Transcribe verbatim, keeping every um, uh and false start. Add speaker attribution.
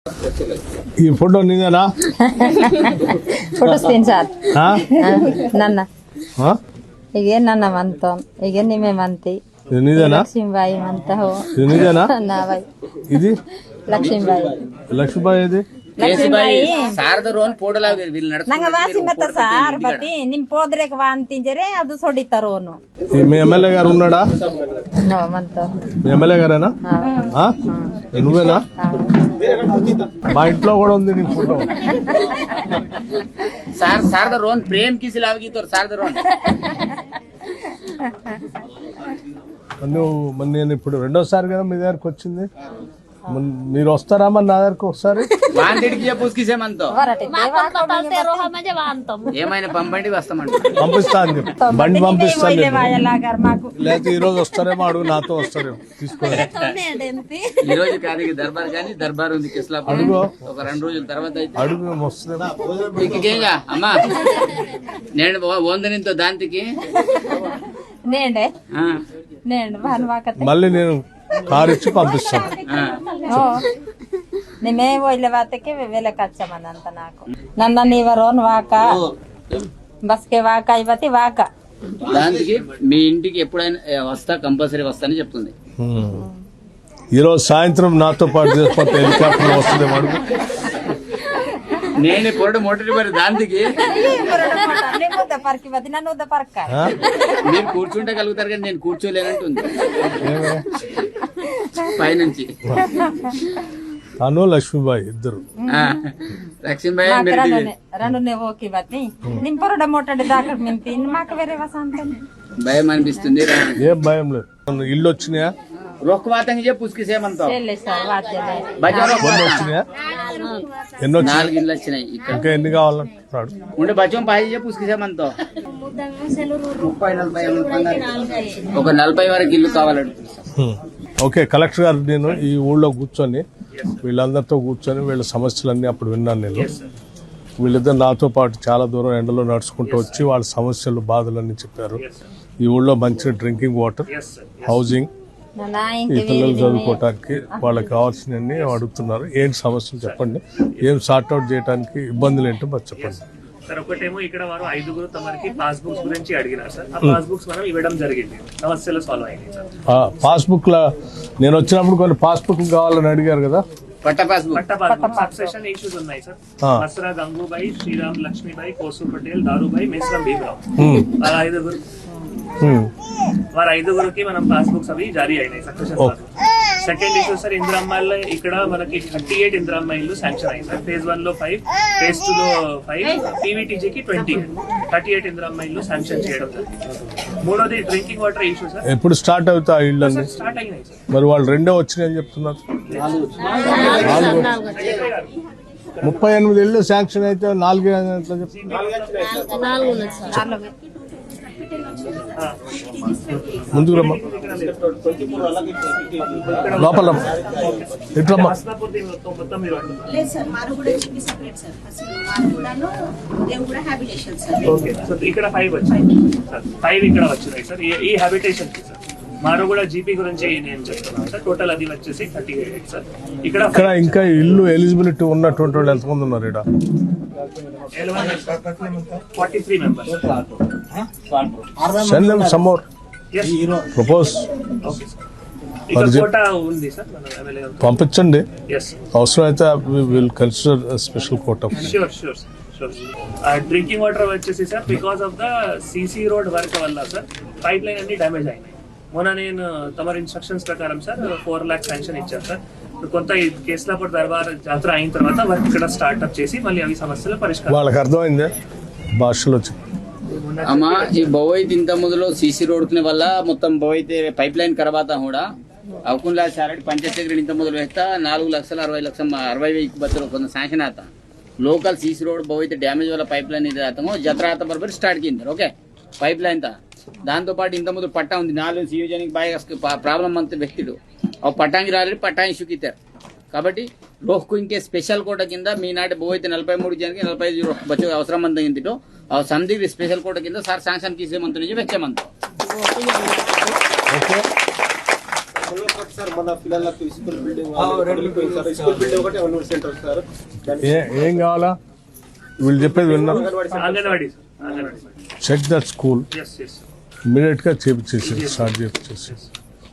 Speaker 1: ఈ ఫోటో నీదేనా?
Speaker 2: Photo screen shot ನನ್ನ ಈಗ ನನ್ನ ಮಂತ ಈಗ ನಿಮ್ಮೆ ಮಂತಿ
Speaker 1: ఇది నీదేనా?
Speaker 2: లక్ష్మీబాయి మంత హో
Speaker 1: ఇది నీదేనా?
Speaker 2: నాబాయి
Speaker 1: ఇది
Speaker 2: లక్ష్మీబాయి
Speaker 1: లక్ష్మీబాయి ఇది
Speaker 2: ಲಕ್ಷ್ಮೀಬಾಯಿ
Speaker 3: ಸಾರದರೋನ್ ಫೋಟೋಲ
Speaker 2: ನಂಗೆ ವಾಸಿ ಮತ್ತ ಸಾರ್ ಬಟ್ಟಿ ನಿಮ್ ಪೋದ್ರೆಕ್ ವಾಂತಿಂಜರೆ ಅದು ಸೊಡಿತಾರೋನು
Speaker 1: మీ ఎమ్మెల్యే గారు ఉన్నాడా?
Speaker 2: నో మంత
Speaker 1: మీ ఎమ్మెల్యే గారేనా? ఆ? నువ్వేనా? మా ఇంట్లో కూడా ఉంది నీ ఫోటో.
Speaker 3: సార్ సారదరోన్ ప్రేమ్ కిసి లావగి తోర్ సారదరోన్
Speaker 1: నువ్వు మరి నేను ఇప్పుడు రెండోసారి కదా మీ దగ్గరకు వచ్చింది. మీరు వస్తారా మరి నా దగ్గరకు ఒకసారి?
Speaker 3: ఏమైనా పంపండి వస్తామండి.
Speaker 1: పంపిస్తా అని చెప్పి బండి పంపిస్తాను. లేకపోతే ఈ రోజు వస్తారేమో అడుగు, నాతో వస్తారేమో తీసుకోవాలి.
Speaker 3: ఈ రోజు కాదు దర్బార్ కానీ దర్బార్ ఉంది కిస్లాపూర్.
Speaker 1: అడుగు
Speaker 3: ఒక రెండు రోజుల తర్వాత అయితే
Speaker 1: అడుగు వస్తుందేమో.
Speaker 3: ఇంకేగా అమ్మా నేను వందనింతో దాంతికి
Speaker 2: నేండే నేను
Speaker 1: మళ్ళీ నేను కారు ఇచ్చి పంపిస్తాను.
Speaker 2: నిమే ఒళ్ళ వాతకి వెలకచ్చమనంత నాకు నన్న నీవరోన్ వాక బస్కే వాక ఇవతి వాక
Speaker 3: దానికి మీ ఇంటికి ఎప్పుడైనా వస్తా కంపల్సరీ వస్తానని చెప్తుంది.
Speaker 1: ఈరోజు సాయంత్రం నాతో పాటు చేసిపోతే హెలికాప్టర్ వస్తుంది అడుగు.
Speaker 3: నేను పొరడు మోటరి మరి దానికి
Speaker 2: పరికి నన్ను పరక
Speaker 3: మీరు కూర్చుంటే కలుగుతారు కానీ నేను కూర్చోలేనంటుంది పైనుంచి.
Speaker 1: అను లక్ష్మీబాయి ఇద్దరు
Speaker 3: లక్ష్మీబాయి
Speaker 2: రెండు ఓకే బతి నిమ్ పొరడ మోటడి దాకా మింపి మాకు వేరే వసంతం
Speaker 3: భయం అనిపిస్తుంది.
Speaker 1: ఏం భయం లేదు. ఇల్లు వచ్చినాయా?
Speaker 3: రొక్కవాతంగా చెప్పు పుస్కిసేమంతా
Speaker 1: వచ్చినాయా? ఎన్ని వచ్చి
Speaker 3: నాలుగు ఇల్లు వచ్చినాయి.
Speaker 1: ఇంకా ఎన్ని కావాలంటున్నాడు?
Speaker 3: ఉండే బచ్చం పాయి చెప్పు పుస్కిసేమంతా ఒక నలభై వరకు ఇల్లు కావాలంటే.
Speaker 1: ఓకే, కలెక్టర్ గారు నేను ఈ ఊళ్ళో కూర్చొని వీళ్ళందరితో కూర్చొని వీళ్ళ సమస్యలన్నీ అప్పుడు విన్నాను నేను. వీళ్ళిద్దరు నాతో పాటు చాలా దూరం ఎండలో నడుచుకుంటూ వచ్చి వాళ్ళ సమస్యలు బాధలన్నీ చెప్పారు. ఈ ఊళ్ళో మంచి డ్రింకింగ్ వాటర్, హౌసింగ్, ఈ పిల్లలు చదువుకోవటానికి వాళ్ళకి కావాల్సినవన్నీ అడుగుతున్నారు. ఏంటి సమస్యలు చెప్పండి, ఏం సార్ట్అవుట్ చేయడానికి ఇబ్బందులు ఏంటో మరి చెప్పండి.
Speaker 4: సార్ ఒకటేమో ఇక్కడ వారు ఐదుగురు తమకి పాస్ బుక్స్ గురించి అడిగినారు సార్. ఆ పాస్ బుక్స్ మనం ఇవ్వడం జరిగింది, సమస్యలు సాల్వ్ అయ్యాయి సార్.
Speaker 1: పాస్ బుక్ లా నేను వచ్చినప్పుడు కొన్ని పాస్ బుక్ కావాలని అడిగారు కదా.
Speaker 3: పట్ట పాస్ బుక్
Speaker 4: పట్ట పాస్ బుక్ సబ్సెషన్ ఇష్యూస్ ఉన్నాయి సార్. మసరా గంగూబాయి, శ్రీరామ్ లక్ష్మీబాయి, కోసు పటేల్, దారుబాయి, మేస్రం భీమరావు వారు ఐదుగురు వారు ఐదుగురికి మనం పాస్ బుక్స్ అవి జారీ అయినాయి సక్సెషన్. సెకండ్ ఇష్యూ సార్ ఇందిరమ్మాయిలో ఇక్కడ మనకి థర్టీ ఎయిట్ ఇందిరమ్మాయిలు శాంక్షన్ అయ్యి సార్. ఫేజ్ వన్ లో ఫైవ్, ఫేజ్ టూ లో ఫైవ్, పీవీటీజీకి ట్వంటీ థర్టీ ఎయిట్ ఇందిరమ్మాయిలు శాంక్షన్ చేయడం జరిగింది. మూడోది డ్రింకింగ్ వాటర్ ఇష్యూ సార్.
Speaker 1: ఎప్పుడు స్టార్ట్ అవుతా ఇల్లు అన్ని
Speaker 4: స్టార్ట్ అయినాయి సార్.
Speaker 1: మరి వాళ్ళు రెండో వచ్చినాయని చెప్తున్నారు. ముప్పై ఎనిమిది ఇళ్ళు శాంక్షన్ అయితే నాలుగు ముందుకు రమ్మా, లోపల ఇట్లమ్మా.
Speaker 4: ఇక్కడ ఫైవ్ వచ్చాయి సార్, ఫైవ్ ఇక్కడ వచ్చినాయి సార్. ఈ హ్యాబిటేషన్ కి సార్ మారుగూడ జీపీ గురించి నేను చెప్తున్నాను సార్. టోటల్ అది వచ్చేసి థర్టీ ఎయిట్ సార్. ఇక్కడ
Speaker 1: ఇక్కడ ఇంకా ఇల్లు ఎలిజిబిలిటీ ఉన్నటువంటి వాళ్ళు ఎంతమంది ఉన్నారు? ఇక్కడ
Speaker 4: forty three members.
Speaker 1: Send them some more propose.
Speaker 4: ఉంది సార్
Speaker 1: పంపించండి.
Speaker 4: ఎస్
Speaker 1: అవసరం అయితే will consider special quota.
Speaker 4: Sure sure drinking water వచ్చేసి sir because of the CC road work వల్ల సార్ పైప్ లైన్ అన్ని డ్యామేజ్ అయినాయి. మొన్న నేను తమరి ఇన్స్ట్రక్షన్స్ ప్రకారం సార్ ఫోర్ లాక్ శాంక్షన్ ఇచ్చారు సార్. కొంత కేసులాపూర్ దర్బార్ జాతర అయిన తర్వాత వర్క్ ఇక్కడ స్టార్ట్అప్ చేసి మళ్ళీ అవి సమస్యలు పరిష్కారం.
Speaker 1: వాళ్ళకి అర్థమైంది భాషలో.
Speaker 3: అమ్మా ఈ బొవైతే ఇంత ముందులో సీసీ రోడ్ వల్ల మొత్తం బొవైతే పైప్ లైన్ కరవాత కూడా అవకుండా సార్ పంచాయత్ దగ్గర ఇంత మొదలు వేస్తా నాలుగు లక్షల అరవై లక్షల అరవై వెయ్యి బతులు కొంత శాంక్షన్ आता लोकल सीसी रोड बहुत डैमेज वाला पाइप लाइन जत्रा आता बरबर स्टार्ट की ओके पाइप लाइन था దాంతో పాటు ఇంత ముందు పట్టా ఉంది నాలుగు సియోజనికి బాగా ప్రాబ్లం అంత వ్యక్తులు ఆ పట్టాంగి రాలేదు పట్టా ఇష్యూ కితారు కాబట్టి రోహ్కు ఇంకే స్పెషల్ కోట కింద మీ నాటి బోయితే నలభై మూడు జనకి నలభై ఐదు బచ్చు అవసరం అంత ఇంటిలో ఆ సంధి స్పెషల్ కోట కింద సార్ శాంక్షన్ తీసేమంత నుంచి వెచ్చేమంత
Speaker 5: ఒకటి సార్ మన పిల్లలకు school building sir school building ఒకటి అంగన్వాడీ సెంటర్ సార్
Speaker 1: ఏ- ఏం కావాలా వీళ్ళు చెప్పేది విన్నారు.
Speaker 4: Anganwadi sir anganwadi
Speaker 1: check that school
Speaker 4: yes yes
Speaker 1: immediate గా చేపించేసి స్టార్ట్ చేపించేసి